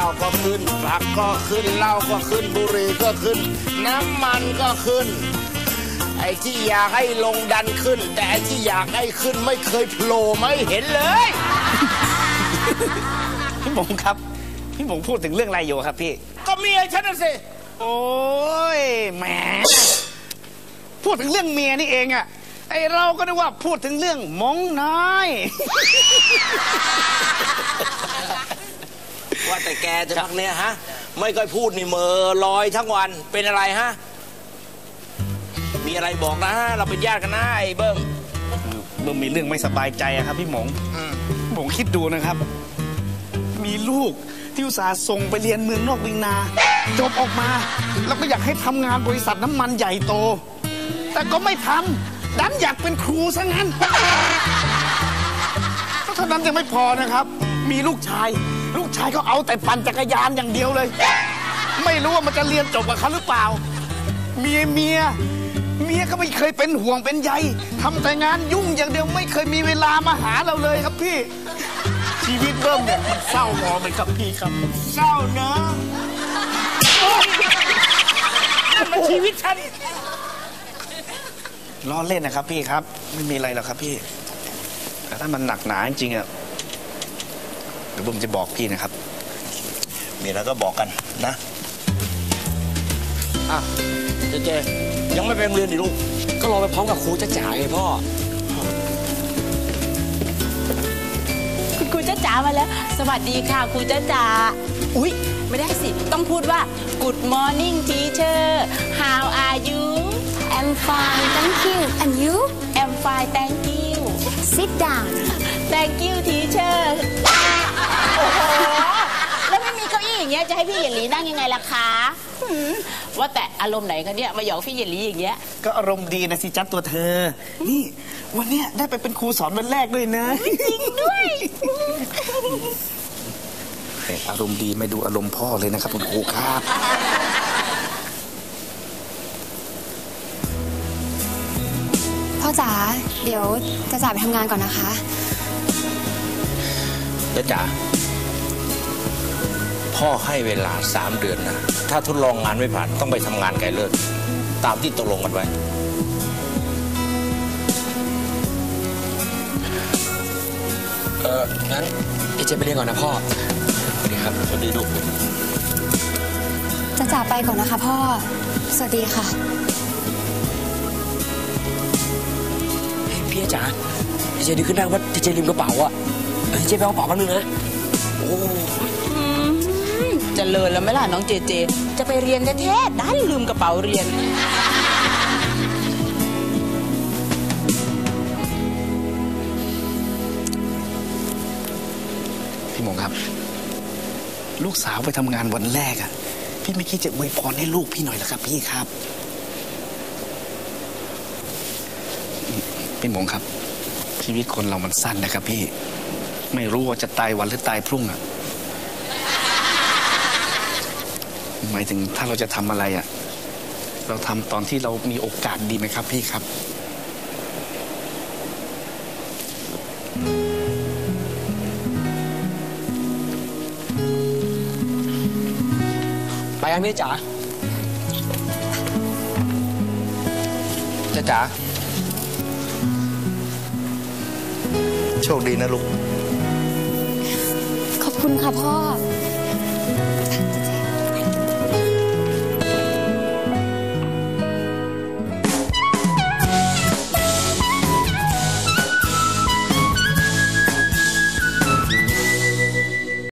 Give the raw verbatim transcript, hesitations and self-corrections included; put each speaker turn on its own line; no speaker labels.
าวก็ขึ้นผักก็ขึ้นเหล้าก็ขึ้นบุหรี่ก็ขึ้นน้ำมันก็ขึ้นไอ้ที่อยากให้ลงดันขึ้นแต่ไอ้ที่อยากให้ขึ้นไม่เคยโผล่ไม่เห็นเลย
พี่หมงครับพี่หมงพูดถึงเรื่องอะไรอยู่ครับพี่
ก็เมียฉันน่ะสิ
โอ้ยแหมพูดถึงเรื่องเมียนี่เองอะไอเราก็นึกว่าพูดถึงเรื่องมงน้อย
ว่าแต่แกจะพักเนี้ยฮะไม่ค่อยพูดนี่เมอลอยทั้งวันเป็นอะไรฮะมีอะไรบอกนะเราเป็นญาติกันนะไอ้เบิ้ม
เบิ้มมีเรื่องไม่สบายใจอะครับพี่หมงหมงคิดดูนะครับมีลูกที่อุตส่าห์ส่งไปเรียนเมืองนอกเมืองนาจบออกมาแล้วก็อยากให้ทำงานบริษัทน้ำมันใหญ่โตแต่ก็ไม่ทำดันอยากเป็นครูซะงั้นเท่านั้นยังไม่พอนะครับมีลูกชายลูกชายก็เอาแต่ปั่นจักรยานอย่างเดียวเลยไม่รู้ว่ามันจะเรียนจบกับเขาหรือเปล่าเมียเมียเมียก็ไม่เคยเป็นห่วงเป็นใยทำแต่งานยุ่งอย่างเดียวไม่เคยมีเวลามาหาเราเลยครับพี่ชีวิตเริ่มเนี่ยเศร้าหมองเลยครับพี่ครับ
เศร้าเนอะนั่นมันชีวิตฉัน
ล้อเล่นนะครับพี่ครับไม่มีอะไรหรอกครับพี่แต่ถ้ามันหนักหนาจริงๆอ่ะเดี๋ยวผมจะบอกพี่นะครับ
มีอะไรก็บอกกันนะอ่ะเจเจยังไม่ไปโรงเรียนดิลูก
ก็รอไปพร้อมกับครูจ้าจ๋าไงพ่อ
คุณครูจ้าจ๋ามาแล้วสวัสดีค่ะครูจ้าจ๋าอุ๊ยไม่ได้สิต้องพูดว่า Good morning teacher how are you
I'm fine thank you and you
I'm fine thank you
sit down
thank you teacher โอ้โหแล้วไม่มีเก้าอี้อย่างเงี้ยจะให้พี่เยลลี่นั่งยังไงล่ะคะว่าแต่อารมณ์ไหนคะเนี่ยมาหยอกพี่เยลลี่อย่างเงี้ย
ก็อารมณ์ดีนะสิจัดตัวเธอนี่วันเนี้ยได้ไปเป็นครูสอนวันแรกด้วยนะ
จริงด้วย
อารมณ์ดีไม่ดูอารมณ์พ่อเลยนะครับคุณครูครับ
พ่อจ๋าเดี๋ยวจะจ่าไปทำงานก่อนนะคะ
จะจ๋าพ่อให้เวลาสามเดือนนะถ้าทดลองงานไม่ผ่านต้องไปทำงานไกลเลิศตามที่ตกลงกันไว้
เอองั้นเอเจไปเรียนก่อนนะพ่อสวัสดีครับ
สวัสดีลูก
จะจ่าไปก่อนนะคะพ่อสวัสดีค่ะ
พี่จ๋าเอเจดีขึ้นได้ว่าเอเจลืมกระเป๋าอะเอเจไปเอากระเป๋าแป๊บนึงนะโอ้
จะเลินแล้วไหมล่ะน้องเจเจจะไปเรียนแท้ๆดันลืมกระเป๋าเรียน
พี่หมงครับลูกสาวไปทำงานวันแรกอะพี่ไม่คิดจะอวยพรให้ลูกพี่หน่อยเหรอครับพี่ครับพี่หมงครับชีวิตคนเรามันสั้นนะครับพี่ไม่รู้ว่าจะตายวันหรือตายพรุ่งอะหมายถึงถ้าเราจะทำอะไรอะเราทำตอนที่เรามีโอกาสดีไหมครับพี่ครับ
ไปยังพี่จ๋า
จ้าจ๋าโชคดีนะลูก
ขอบคุณค่ะพ่อ